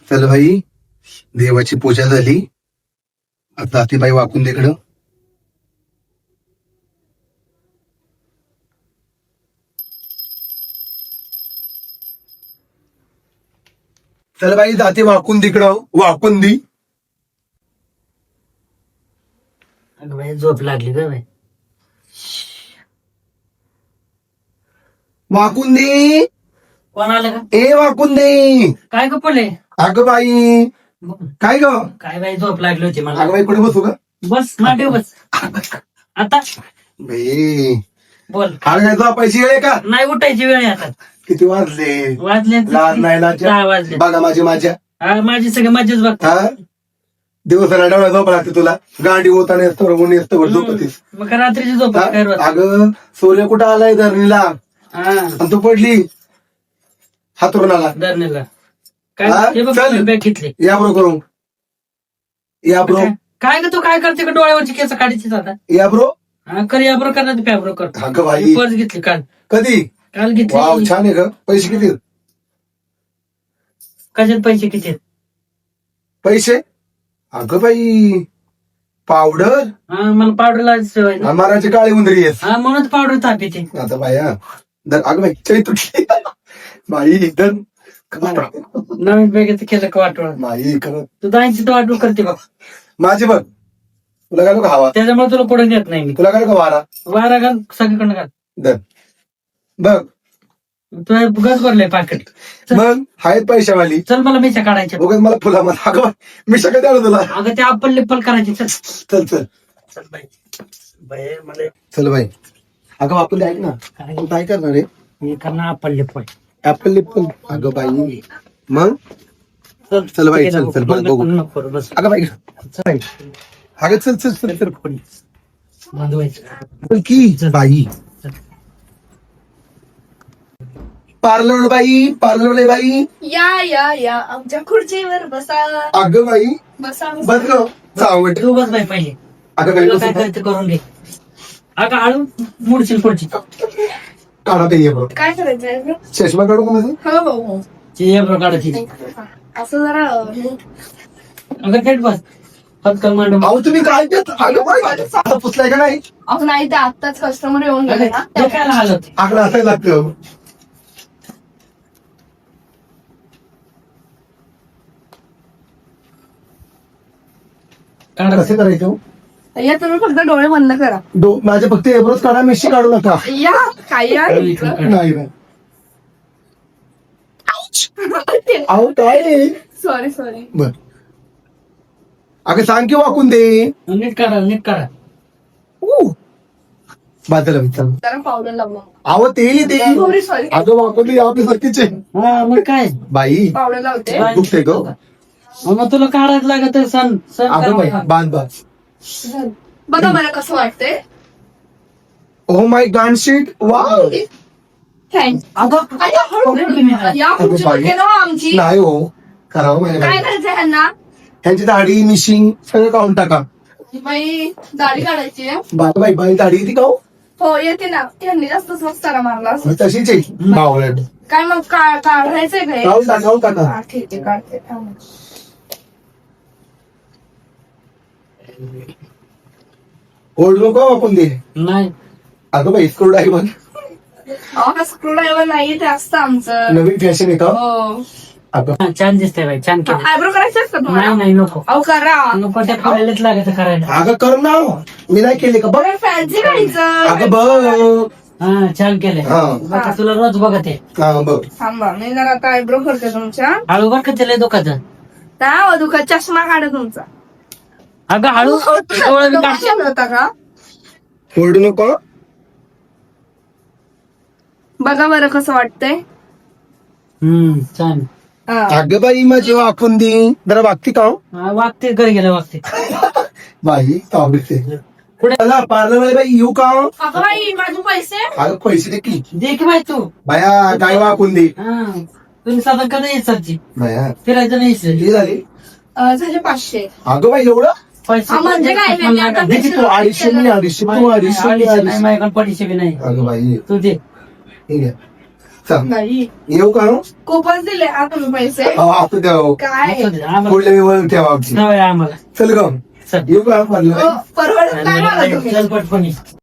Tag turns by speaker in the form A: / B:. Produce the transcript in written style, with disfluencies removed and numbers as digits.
A: चल भाई, देवाची पूजा झाली. आता ती बाई वाकून तिकडं. चल बाई, जाते वाकून तिकडं. वाकून दी.
B: अगं बाई झोप लागली ग बाई.
A: वाकून दे.
B: कोण आलं का?
A: ए वाकून दे.
B: काय ग पले?
A: अगं बाई, काय ग?
B: काय बाई झोप लागली होती मला.
A: अगं बाई, कुठे बसू का?
B: बस मांडीव बस. आता
A: बाई,
B: बोल.
A: अरे काय झोपायची वेळ आहे का?
B: नाही उठायची वेळ आहे आता.
A: किती वाजले?
B: वाजले
A: लाज नाही लाज.
B: 10 वाजले.
A: बघा माझ्या
B: हा, माझी सगळी मजेच बघ.
A: हा, दिवसाला डोळा झोप लागते तुला. गाडी होताना येतो ऊन येतो झोपतीस.
B: मग का रात्रीची झोप
A: हा?
B: काय रोज?
A: अगं सूर्य कुठं आलाय धरणीला
B: हा,
A: आणि तू पडली हातरुणाला.
B: धरणीला.
A: हा?
B: काय हे बघ
A: चल.
B: बॅग घेतली.
A: या ब्रो करू. या ब्रो.
B: काय ग तू काय करते का डोळ्यावरची केस काढायची आता?
A: या ब्रो.
B: हा, कर या बरोबर करणार पॅब्रो करतो.
A: अगं बाई,
B: पर्स घेतली काल.
A: कधी?
B: काल
A: वाव,
B: घेतली.
A: छान आहे ग. पैसे किती?
B: कशात पैसे किती आहेत?
A: पैसे? अगं बाई, पावडर.
B: हा, मला पावडरला सवय ना.
A: अमाराची काळी उंदरी आहेस.
B: हा, म्हणून पावडर ताप येते.
A: आता बाया अगं बाई, चै तुटली. बाई एकदम
B: नवीन बॅगेचं केलं का वाटवळ.
A: बाई करत
B: तू 80 तो वाटवळ करते बघ.
A: माझी बघ. तुला घालू का हवा?
B: त्याच्यामुळे तुला पुढे नेत नाही मी.
A: तुला घालू का वारा?
B: वारा घाल सगळीकडनं घाल.
A: दर बघ.
B: तुला गज भरलंय पाकिट.
A: मग आहेत पैशावाली.
B: चल मला मिशा काढायच्या.
A: बघत मला फुला मला. अगं मी सगळं द्याल तुला.
B: अगं ते अप्पल लिप्पल करायची. चल
A: चल चल
B: चल बाई. बाई मला
A: चल बाई. अगं आपण ऐक ना,
B: काय
A: तू काय करणार आहे?
B: हे करणार अप्पल लिप्पल.
A: ऍपल लिप्पल. अगं बाई, मग
B: चल
A: चल बाई, चल चल बघ बघू.
B: नको करू, बस.
A: अगं बाई, चल. अगं चल चल चल चल.
B: बांधवायचं.
A: चल की बाई. पार्लर बाई, पार्लर बाई.
C: या या या आमच्या खुर्चीवर बसा.
A: अगं बाई,
C: बसा
A: बस ग. चावट.
B: तू बस बाई पहिले.
A: अगं बाई,
B: तुला काय करायचं करून घे. अगं आळू मुडशील पुढची.
A: काढा ते ये बघ.
C: काय करायचंय bro?
A: चष्मा काढू का माझं?
C: हो हो हो
B: ये बरं काढायची.
C: असं जरा
B: अगं थेट बस. पटकन मांडू.
A: अहो तुम्ही काय देत? अगं बाई, आता पुसलाय का नाही?
C: अहो नाही ते आत्ताच कस्टमर येऊन गेले ना
B: हे काय आलं ते?
A: आकडा असायला लागतं.
B: काढा.
A: कसं करायचं?
C: या तुम्ही फक्त डोळे बंद करा.
A: माझे फक्त एवढंच काढा, मिशी काढू नका.
C: या काय या
A: नाही नाही. अहो काय?
C: सॉरी सॉरी
A: बर. अगं सांग की वाकून दे.
B: नीट काढा नीट काढा.
A: बाजूला विचार.
C: जरा पावडर लावलं.
A: अहो ते
C: सॉरी सॉरी
A: अगं वाकून दे, आपली सारखीच आहे.
B: हा मग काय.
A: बाई
C: पावडर लावते.
A: दुखते ग.
B: मग तुला काढायचं लागत तर सण सण
A: अगं बाई,
B: करा.
A: बांध बांध.
C: बघा मला कसं वाटतंय.
A: Oh my god shit. Wow.
C: Thanks.
B: अगं
C: या खुर्ची
A: बाई.
C: ना आमची.
A: नाही हो, करावं माझ्या
C: काय
A: बाई.
C: करायचंय ह्यांना?
A: ह्यांची दाढी मिशिंग सगळं काढून टाका.
C: बाई दाढी काढायची आहे.
A: बाई बाई दाढी येते का हो?
C: हो येते ना. त्यांनी जास्तच मस्तारा मारला.
A: मी तशीच आहे बावळट.
C: काय मग काढायचंय काय?
A: काढून टाका.
C: हा, ठीक आहे काढते थांब.
A: ओल्ड नको वाकून दे.
B: नाही.
A: अगं बाई स्क्रू ड्रायव्हर
C: अहो स्क्रू ड्रायव्हर नाहीये ते असतं आमचं.
A: नवीन फॅशन आहे का?
C: हो
A: अगं
B: हा, छान दिसतंय बाई छान केलं.
C: आयब्रो करायचे असतं
B: नाही
C: तुम्हाला?
B: नाही नको.
C: अहो करा.
B: नको त्या फुलालाच लागायचं करायला.
A: अगं कर ना. मी नाही केले का? बघ.
C: फॅन्सी काढायचं.
A: अगं बघ.
B: हा छान केलंय.
A: हा.
B: बघा तुला रोज बघत आहे.
A: हा बघ.
C: थांबा मी जरा आता आयब्रो करते तुमच्या.
B: हळू बरं का त्याला दुखायचं.
C: त्या दुखा चष्मा काढा तुमचा.
B: अगं हळू डोळं बी काढ.
C: होता का?
A: ओल्ड नको.
C: बघा बरं कसं वाटतंय.
B: छान.
C: हा.
A: अगं बाई माझी वाकून दे. जरा वागती का हो?
B: हा, वागते घरी गेलं वागते.
A: बाई आवडते.
B: पुढे.
A: चला पार्लर बाई येऊ का हो?
C: अगं बाई माझे पैसे.
A: अगं पैसे दे की.
B: दे की बाई तू.
A: बाया काय वाकून दे.
B: हा तुम्ही साधन कधी यायची
A: बाया
B: फिरायचं नाही इथं.
A: किती झाली?
C: झाले 500.
A: अगं बाई एवढं?
B: पैसे
C: म्हणजे काय नाही, आता
A: दे की तू 250 मी 250 तू 250 मी
B: अडीचशे नाही
A: 250.
B: माझ्याकडे 500 बी नाही.
A: अगं बाई
B: तू दे.
A: ठीक आहे. चल
C: नाही
A: येऊ का हो?
C: खूपच दिले हा तुम्ही पैसे
A: आता द्या हो.
C: काय
B: असू दे, आम्हाला
A: पुढल्या वेळी ठेवा आमची
B: सवय आहे आम्हाला
A: चल ग
B: चल
A: येऊ का
C: परवडत नाही मला तुम्ही
B: चल पटपणी